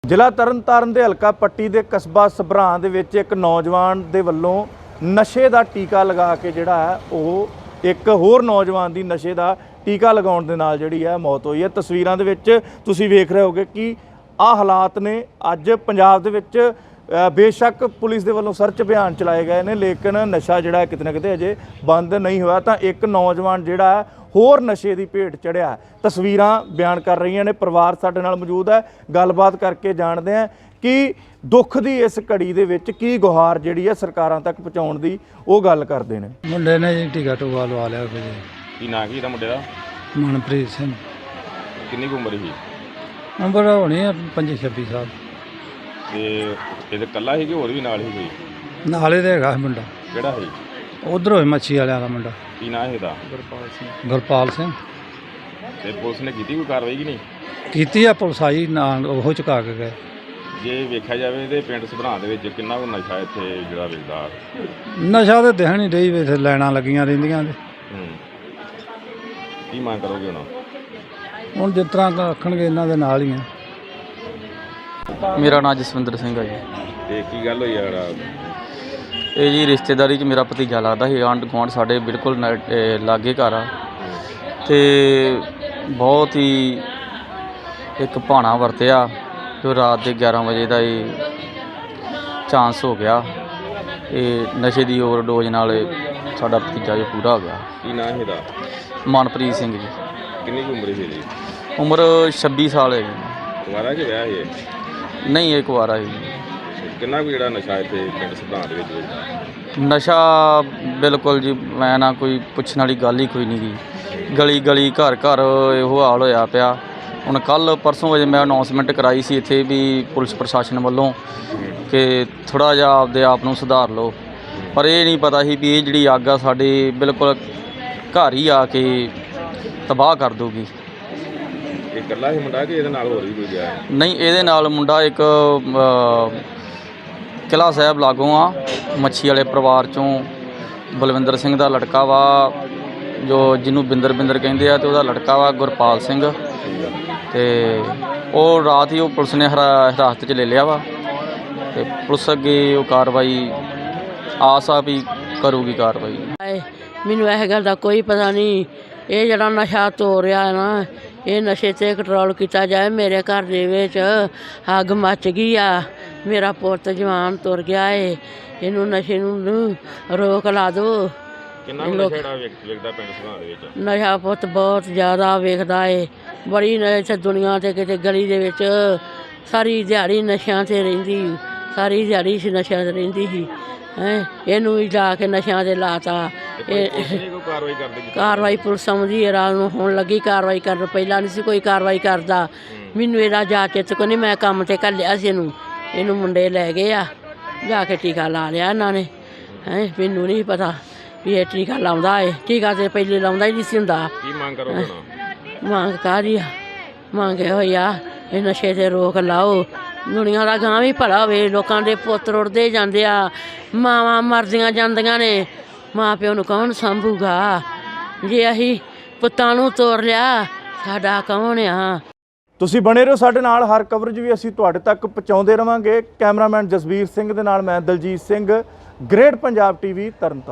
ਜ਼ਿਲ੍ਹਾ ਤਰਨਤਾਰਨ ਦੇ ਹਲਕਾ ਪੱਟੀ ਦੇ ਕਸਬਾ ਸਭਰਾਂ ਦੇ ਵਿੱਚ ਇੱਕ ਨੌਜਵਾਨ ਦੇ ਵੱਲੋਂ ਨਸ਼ੇ ਦਾ ਟੀਕਾ ਲਗਾ ਕੇ ਜਿਹੜਾ ਹੈ ਉਹ ਇੱਕ ਹੋਰ ਨੌਜਵਾਨ ਦੀ ਨਸ਼ੇ ਦਾ ਟੀਕਾ ਲਗਾਉਣ ਦੇ ਨਾਲ ਜਿਹੜੀ ਹੈ ਮੌਤ ਹੋਈ ਹੈ। ਤਸਵੀਰਾਂ ਦੇ ਵਿੱਚ ਤੁਸੀਂ ਵੇਖ ਰਹੇ ਹੋਗੇ ਕਿ ਆਹ ਹਾਲਾਤ ਨੇ। ਅੱਜ ਪੰਜਾਬ ਦੇ ਵਿੱਚ बेशक पुलिस के वालों सर्च अभियान चलाए गए हैं, लेकिन नशा जोड़ा कितने ना कितने अजे बंद नहीं हुआ। तो एक नौजवान जोड़ा होर नशे की भेट चढ़िया। तस्वीर बयान कर रही ने, परिवार साडे नाल मौजूद है, गलबात करके जानते हैं कि दुख की इस घड़ी दे विच की गुहार जिहड़ी है सरकारां तक पहुँचाउण दी वो गल करते हैं। मुंडे ने जी टीका टूका लवा लिया की ना की मुंडे दा मनप्रीत सिंह। कितनी उम्र ही? उम्र होनी है 25-26 साल। ਇਹ ਕੱਲਾ ਸੀ ਕਿ ਹੋਰ ਵੀ ਨਾਲ ਹੀ ਕੋਈ? ਨਾਲੇ ਦੇ ਹੈਗਾ ਮੁੰਡਾ। ਕਿਹੜਾ ਸੀ? ਉਧਰੋਂ ਹੀ ਮੱਛੀ ਵਾਲਿਆਂ ਦਾ ਮੁੰਡਾ। ਕੀ ਨਾਂ ਹੈ ਇਹਦਾ? ਗੁਰਪਾਲ ਸਿੰਘ। ਤੇ ਪੁਲਿਸ ਨੇ ਕੀਤੀ ਕੋਈ ਕਾਰਵਾਈ ਕਿ ਨਹੀਂ? ਕੀਤੀ ਆ, ਪੁਲਿਸ ਆਈ ਨਾਲ ਉਹ ਚੁਕਾ ਕੇ ਗਏ। ਜੇ ਵੇਖਿਆ ਜਾਵੇ ਤੇ ਪਿੰਡ ਸਭਰਾਂ ਦੇ ਵਿੱਚ ਕਿੰਨਾ ਕੁ ਨਸ਼ਾ ਇੱਥੇ ਜਿਹੜਾ ਵੇਚਦਾ? ਨਸ਼ਾ ਤੇ ਦਿਖਣ ਨਹੀਂ ਰਹੀ, ਇੱਥੇ ਲਾਈਨਾਂ ਲੱਗੀਆਂ ਰਹਿੰਦੀਆਂ ਨੇ। ਕੀ ਮੰਗ ਕਰੋਗੇ ਹੁਣ ਜਿਸ ਤਰ੍ਹਾਂ ਰੱਖਣਗੇ ਇਹਨਾਂ ਦੇ ਨਾਲ ਹੀ ਆ। मेरा नाम जसविंदर सिंह है जी। ਤੇ ਕੀ ਗੱਲ ਹੋਈ ਯਾਰ? ये जी रिश्तेदारी च मेरा भतीजा लगता है। आंढ गुआंढ साढ़े बिल्कुल लागे घर आ, तो बहुत ही एक भाना वरत्या जो रात के 11 बजे का चांस हो गया। ये नशे की ओवरडोज नाल साडा भतीजा जो पूरा हो गया। ਕੀ ਨਾਂ ਹੈ ਇਹਦਾ? मनप्रीत सिंह जी। ਕਿੰਨੀ ਕੁ ਉਮਰ ਸੀ ਇਹਦੀ? उम्र 26 साल है जी। ਕੁਆਰਾ ਕਿ ਵਿਆਹ ਹੈ? नहीं एक बार आई। ਕਿੰਨਾ ਕੁ ਜਿਹੜਾ ਨਸ਼ਾ ਇੱਥੇ ਪਿੰਡ ਸਭਰਾਂ ਦੇ ਵਿੱਚ ਵੇਚਦਾ? नशा बिल्कुल जी मैं ना कोई पुछण वाली गल ही कोई नहीं गी। गली गली घर घर ਇਹੋ हाल होया पिया। ਹੁਣ ਕੱਲ परसों वजे मैं अनाउंसमेंट कराई सी इत्थे भी पुलिस प्रशासन वालों कि थोड़ा जिहा आपदे आप नूं सुधार लो, पर ये नहीं पता सी भी ये जिहड़ी अग आ साडे बिल्कुल घर ही आके तबाह कर दूगी। ਇਹ ਇਕੱਲਾ ਹੀ ਮੁੰਡਾ ਕਿ ਇਹਦੇ ਨਾਲ ਹੋਰ ਵੀ ਕੋਈ ਗਿਆ ਹੈ? नहीं ਇਹਦੇ ਨਾਲ ਮੁੰਡਾ ਇੱਕ किला साहब लागों आ मच्छी वाले परिवार चों बलविंदर सिंह का लड़का वा, जो जिन्हों बिंदर बिंदर कहते हैं, तो वह लड़का वा गुरपाल सिंह। तो वो रात ही वो पुलिस ने हिरासत च ले लिया वा, तो पुलिस अगे वो कार्रवाई आस आ भी करूगी कार्रवाई। मैनू इस गल का कोई पता नहीं। ये जड़ा नशा तो रहा है ना, ये नशे ते कंट्रोल किया जाए। मेरे घर दे विच अग मच गई आ, मेरा पुत जवान तुर गया है, इनू नशे नू रोक ला दो। ਕਿੰਨਾ ਕੁ ਨਸ਼ਾ ਜਿਹੜਾ ਵੇਚਦਾ ਪਿੰਡ ਸਭਰਾਂ ਦੇ ਵਿੱਚ? नशा पुत बहुत ज़्यादा वेखदा है। बड़ी इत्थे दुनिया ते किते गली दे विच सारी दिहाड़ी नशियां ते रहिंदी, सारी दिहाड़ी नशियां ते रहिंदी ही। इनू ही ला के नशियां ते लाता। कार्रवाई करदी? कार्रवाई पुलिस आउंदी है रात नूं, हुण लगी कार्रवाई कर। पहला नहीं सी कोई कार्रवाई करदा। मैनू इहदा जा चित को नहीं, मैं काम ते घल्लिया सी इनू। इनू मुंडे लै गए आ, जाके टीका ला लिया इन्हां ने। मैनू नहीं पता भी ये टीका लाउंदा है। टीका ते पहले लाउंदा ही नहीं सी हुंदा। ਕੀ ਮੰਗ ਕਰੋਗੇ ਹੁਣ? ਮੰਗ ਕਾਹਦੀ ਆ? ਮੰਗ ਇਹੋ ਹੀ ਆ, ਇਹ ਨਸ਼ੇ ਤੇ ਰੋਕ ਲਾਓ। ਦੁਨੀਆ ਦਾ ਗਾਂ ਵੀ ਭਲਾ ਹੋਵੇ। ਲੋਕਾਂ ਦੇ ਪੁੱਤ ਰੁੜਦੇ ਜਾਂਦੇ ਆ, ਮਾਵਾਂ ਮਰਦੀਆਂ ਜਾਂਦੀਆਂ ਨੇ, ਮਾਂ ਪਿਓ ਨੂੰ ਕੌਣ ਸਾਂਭੂਗਾ? ਜੇ ਅਸੀਂ ਪੁੱਤਾਂ ਨੂੰ ਤੋਰ ਲਿਆ, ਸਾਡਾ ਕੌਣ ਆ? ਤੁਸੀਂ ਬਣੇ ਰਹੋ ਸਾਡੇ ਨਾਲ, ਹਰ ਕਵਰੇਜ ਵੀ ਅਸੀਂ ਤੁਹਾਡੇ ਤੱਕ ਪਹੁੰਚਾਉਂਦੇ ਰਵਾਂਗੇ। ਕੈਮਰਾਮੈਨ ਜਸਵੀਰ ਸਿੰਘ ਦੇ ਨਾਲ ਮੈਂ ਦਲਜੀਤ ਸਿੰਘ, ਗ੍ਰੇਟ ਪੰਜਾਬ TV ਤਰਨਤਾਰਨ।